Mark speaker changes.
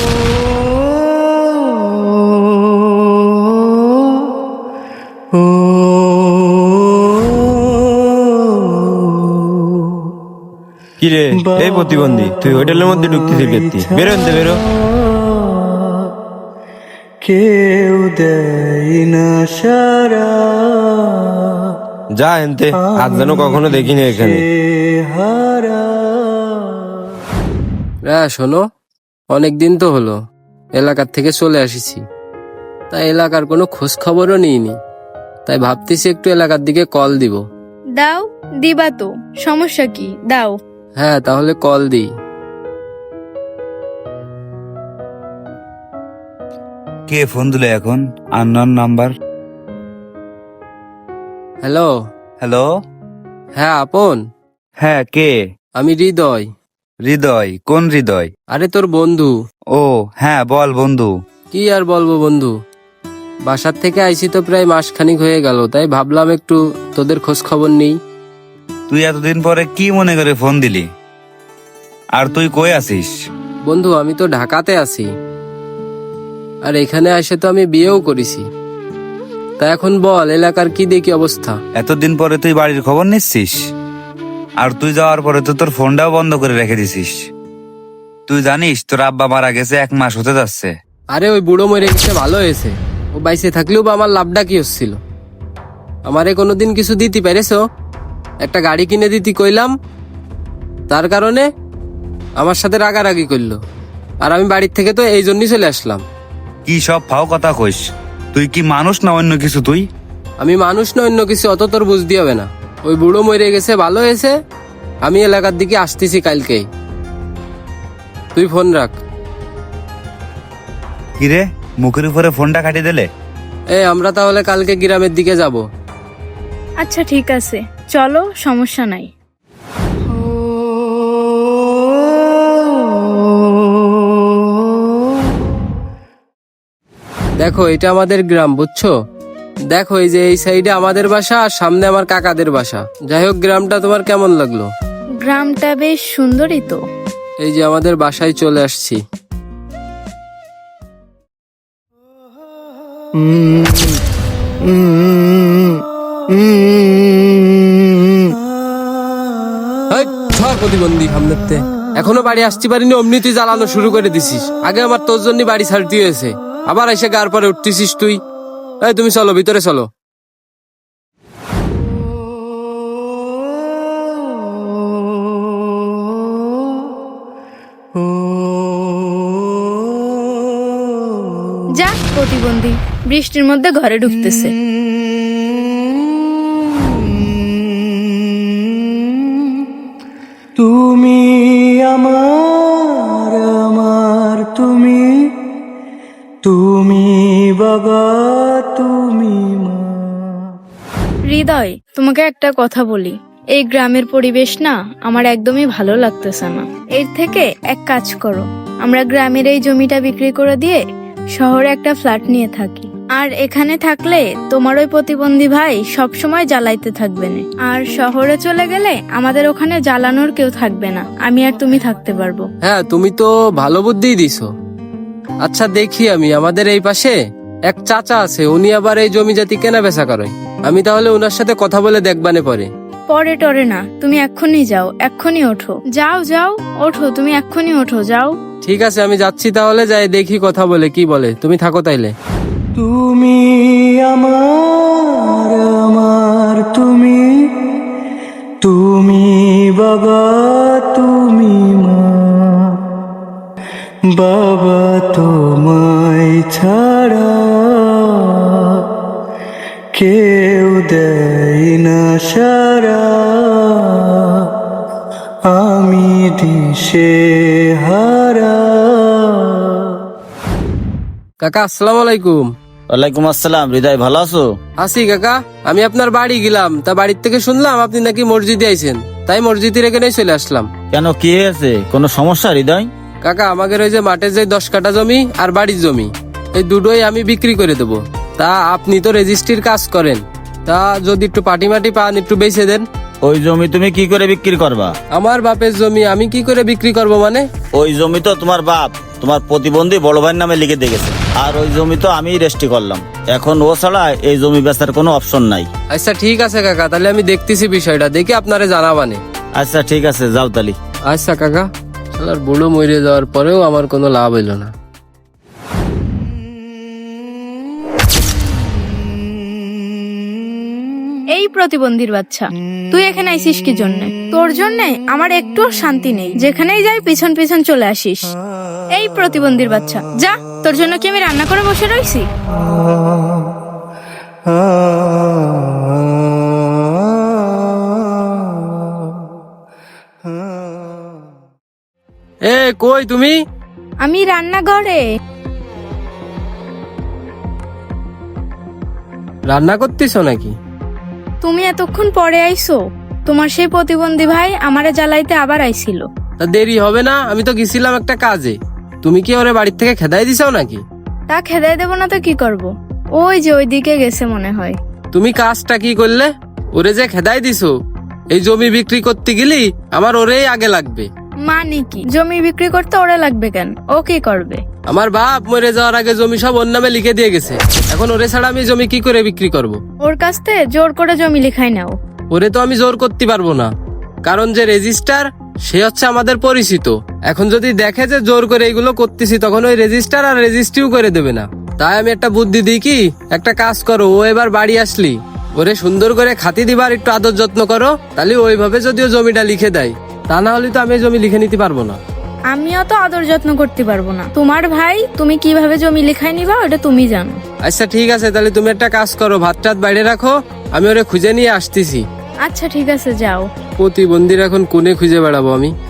Speaker 1: কিরে এই প্রতিবন্ধী, তুই হোটেলের মধ্যে ঢুকতেছিস কেতি? বেরো আনতে বেরো।
Speaker 2: কেউ দেয় না সারা,
Speaker 1: যা এনতে, আজ যেন কখনো দেখিনি এখানে।
Speaker 3: শোনো, অনেকদিন তো হলো এলাকার থেকে চলে আসিছি, তাই এলাকার কোনো খোঁজ খবরও নিইনি, তাই ভাবতেছি একটু এলাকার দিকে কল দিব।
Speaker 4: দাও, দিবা তো, সমস্যা কি, দাও।
Speaker 3: হ্যাঁ, তাহলে কল দিই।
Speaker 5: কে ফোন দিল এখন? Unknown number.
Speaker 3: হ্যালো।
Speaker 5: হ্যালো।
Speaker 3: হ্যাঁ আপন।
Speaker 5: হ্যাঁ, কে?
Speaker 3: আমি হৃদয়।
Speaker 5: হৃদয়? কোন হৃদয়?
Speaker 3: আরে তোর বন্ধু।
Speaker 5: ও হ্যাঁ, বল বন্ধু।
Speaker 3: কি আর বলবো বন্ধু, বাসার থেকে আইছি তো প্রায় মাসখানিক হয়ে গেল, তাই ভাবলাম একটু তোদের খোঁজ খবর নেই।
Speaker 5: তুই এতদিন পরে কি মনে করে ফোন দিলি? আর তুই কই আছিস?
Speaker 3: বন্ধু, আমি তো ঢাকাতে আছি, আর এখানে এসে তো আমি বিয়েও করেছি। তা এখন বল, এলাকার কি দেখি অবস্থা?
Speaker 5: এতদিন পরে তুই বাড়ির খবর নিচ্ছিস? আর তুই যাওয়ার পরে তো তোর ফোনটাও বন্ধ করে রেখে দিছিস। তুই জানিস তোর আব্বা মারা গেছে, 1 মাস হতে যাচ্ছে।
Speaker 3: আরে ওই বুড়ো মরে গেছে, ভালো হয়েছে। ও বাইসে থাকলেও বা আমার লাভটা কি হচ্ছিল? আমারে কোনোদিন কিছু দিতে পেরেছো? একটা গাড়ি কিনে দিতে কইলাম, তার কারণে আমার সাথে রাগারাগি করলো, আর আমি বাড়ির থেকে তো এই জন্যই চলে আসলাম।
Speaker 5: কি সব ফাও কথা কইস? তুই কি মানুষ না অন্য কিছু? তুই
Speaker 3: আমি মানুষ না অন্য কিছু অত তোর বুঝতে হবে না। ওই বুড়ো মরে গেছে, ভালো হয়েছে। আমি এলাকার দিকে আসতেছি কালকেই, তুই ফোন রাখ।
Speaker 5: কিরে, মুখের উপরে ফোনটা কাটিয়ে দিলে?
Speaker 3: আমরা তাহলে কালকে গ্রামের দিকে যাব।
Speaker 4: আচ্ছা ঠিক আছে, চলো, সমস্যা নাই।
Speaker 3: দেখো, এটা আমাদের গ্রাম, বুঝছো? দেখো, এই যে এই সাইডে আমাদের বাসা, আর সামনে আমার কাকাদের বাসা। যাই হোক, গ্রামটা তোমার কেমন লাগলো?
Speaker 4: গ্রামটা বেশ সুন্দরই তো।
Speaker 3: এই যে আমাদের বাসায় চলে আসছি। এই, ধর প্রতিবন্ধী সামনেতে। এখনো বাড়ি আসতে পারিনি, অমনি তুই জ্বালানো শুরু করে দিছিস। আগে আমার তোর জন্য বাড়ি ছাড়তে হয়েছে, আবার এসে গার পরে উঠতেছিস তুই। এই তুমি চলো, ভিতরে চলো।
Speaker 4: যা প্রতিবন্ধী, বৃষ্টির মধ্যে ঘরে ঢুকতেছে।
Speaker 2: তুমি আমার আমার, তুমি তুমি বাবা, তুমি মা।
Speaker 4: হৃদয়, তোমাকে একটা কথা বলি, এই গ্রামের পরিবেশ না আমার একদমই ভালো লাগতেছে না। এর থেকে এক কাজ করো, আমরা গ্রামের এই জমিটা বিক্রি করে দিয়ে শহরে একটা ফ্ল্যাট নিয়ে থাকি। আর এখানে থাকলে তোমার ওই প্রতিবন্ধী ভাই সব সময় জ্বালাইতে থাকবে না, আর শহরে চলে গেলে আমাদের ওখানে জ্বালানোর কেউ থাকবে না, আমি আর তুমি থাকতে পারবো।
Speaker 3: হ্যাঁ, তুমি তো ভালো বুদ্ধিই দিছো। আচ্ছা দেখি, আমি আমাদের এই পাশে এক চাচা আছে, উনি আবার এই জমি জাতি কেনা বেচা করে। আমি তাহলে ওনার সাথে কথা বলে দেখবানে পরে।
Speaker 4: পরে টরে না, তুমি এক্ষুনি যাও, এক্ষুনি ওঠো, যাও যাও, ওঠো, তুমি এক্ষুনি ওঠো, যাও।
Speaker 3: ঠিক আছে, আমি যাচ্ছি তাহলে, যাই দেখি কথা বলে কি বলে। তুমি থাকো তাইলে।
Speaker 2: তুমি আমার আমার, তুমি তুমি বাবা, তুমি মা। বাবা তোমায় ছাড়া কেউ দেয় না সারা, আমি দিশে হারা।
Speaker 3: কাকা, আসসালামু আলাইকুম।
Speaker 6: ওয়ালাইকুম আসসালাম। হৃদয়, ভালো আছো?
Speaker 3: আসি কাকা, আমি আপনার বাড়ি গেলাম, তা বাড়ির থেকে শুনলাম আপনি নাকি মসজিদে আইছেন, তাই মসজিদের এখানেই চলে আসলাম।
Speaker 6: কেন, কি হয়েছে? কোনো সমস্যা হৃদয়?
Speaker 3: কাকা, আমাদের ওই যে মাঠের যে 10 কাঠা জমি আর বাড়ির জমি, এই দুটোই আমি বিক্রি করে দেবো। তা আপনি তো রেজিস্ট্রির কাজ করেন, তা যদি একটু পাটি মাটি পান, একটু বেচে দেন।
Speaker 6: ওই জমি তুমি কি করে বিক্রি করবা?
Speaker 3: আমার বাপের জমি আমি কি করে বিক্রি করব মানে?
Speaker 6: ওই জমি তো তোমার বাপ তোমার প্রতিবন্ধী বড় ভাইয়ের নামে লিখে দিয়ে গেছে, আর ওই জমি তো আমি রেজিস্ট্রি করলাম। এখন ও ছাড়া এই জমি বেচার কোনো অপশন নাই।
Speaker 3: আচ্ছা ঠিক আছে কাকা, তাহলে আমি দেখতেছি বিষয়টা, দেখি আপনারে জানাবানে।
Speaker 6: আচ্ছা ঠিক আছে, যাও তালি।
Speaker 3: আচ্ছা কাকা। শালার বুড়ো মরে যাওয়ার পরেও আমার কোনো লাভ হইল না।
Speaker 4: এই প্রতিবন্ধীর বাচ্চা, তুই এখানে আইসিস কি জন্য? তোর জন্য আমার একটু শান্তি নেই, যেখানেই যাই পিছন পিছন চলে আসিস। এই প্রতিবন্ধীর বাচ্চা, যা, তোর জন্য কি আমি রান্না করে বসে রইছি?
Speaker 3: এ কই তুমি?
Speaker 4: আমি রান্নাঘরে।
Speaker 3: রান্না করতেছো নাকি?
Speaker 4: তুমি এতক্ষণ পরে আইছো? তোমার সেই প্রতিবন্ধী ভাই আমারে জ্বালাইতে আবার আইছিল।
Speaker 3: তা দেরি হবে না? আমি তো গেছিলাম একটা কাজে। তুমি কি ওরে বাড়ির থেকে খেদাই দিছাও নাকি?
Speaker 4: তা খেদাই দেবো না তো কি করব? ওই যে ওইদিকে গেছে মনে হয়।
Speaker 3: তুমি কাজটা কি করলে? ওরে যে খেদাই দিছো, এই জমি বিক্রি করতে গেলি আমার ওরেই আগে লাগবে।
Speaker 4: মানে কি, জমি বিক্রি করতে ওরে লাগবে কেন? ও কি করবে?
Speaker 3: আমার বাপ মরে যাওয়ার আগে জমি সব ওর নামে লিখে দিয়ে গেছে। এখন ওরে ছাড়া আমি জমি কি করে বিক্রি করব?
Speaker 4: ওর কাছ থেকে জোর করে জমি লিখাই নাও।
Speaker 3: ওরে তো আমি জোর করতে পারবো না, কারণ যে রেজিস্টার সে হচ্ছে আমাদের পরিচিত। এখন যদি দেখে যে জোর করে এগুলো করতেছি, তখন ওই রেজিস্টার আর রেজিস্ট্রিও করে দেবে না। তাই আমি একটা বুদ্ধি দিই কি, একটা কাজ করো, ও এবার বাড়ি আসলি ওরে সুন্দর করে খাতি দিবার একটু আদর যত্ন করো, তাহলে ওইভাবে যদিও জমিটা লিখে দেয়। তা না হলে তো আমি এই জমি লিখে নিতে পারবো না।
Speaker 4: আমিও তো আদর যত্ন করতে পারবো না। তোমার ভাই, তুমি কিভাবে জমি লিখাই নিবা ওটা তুমি জানো।
Speaker 3: আচ্ছা ঠিক আছে, তাহলে তুমি একটা কাজ করো, ভাত টাত বাইরে রাখো, আমি ওরে খুঁজে নিয়ে আসতেছি।
Speaker 4: আচ্ছা ঠিক আছে, যাও।
Speaker 3: প্রতিবন্ধীর এখন কোনে খুঁজে বেড়াবো আমি?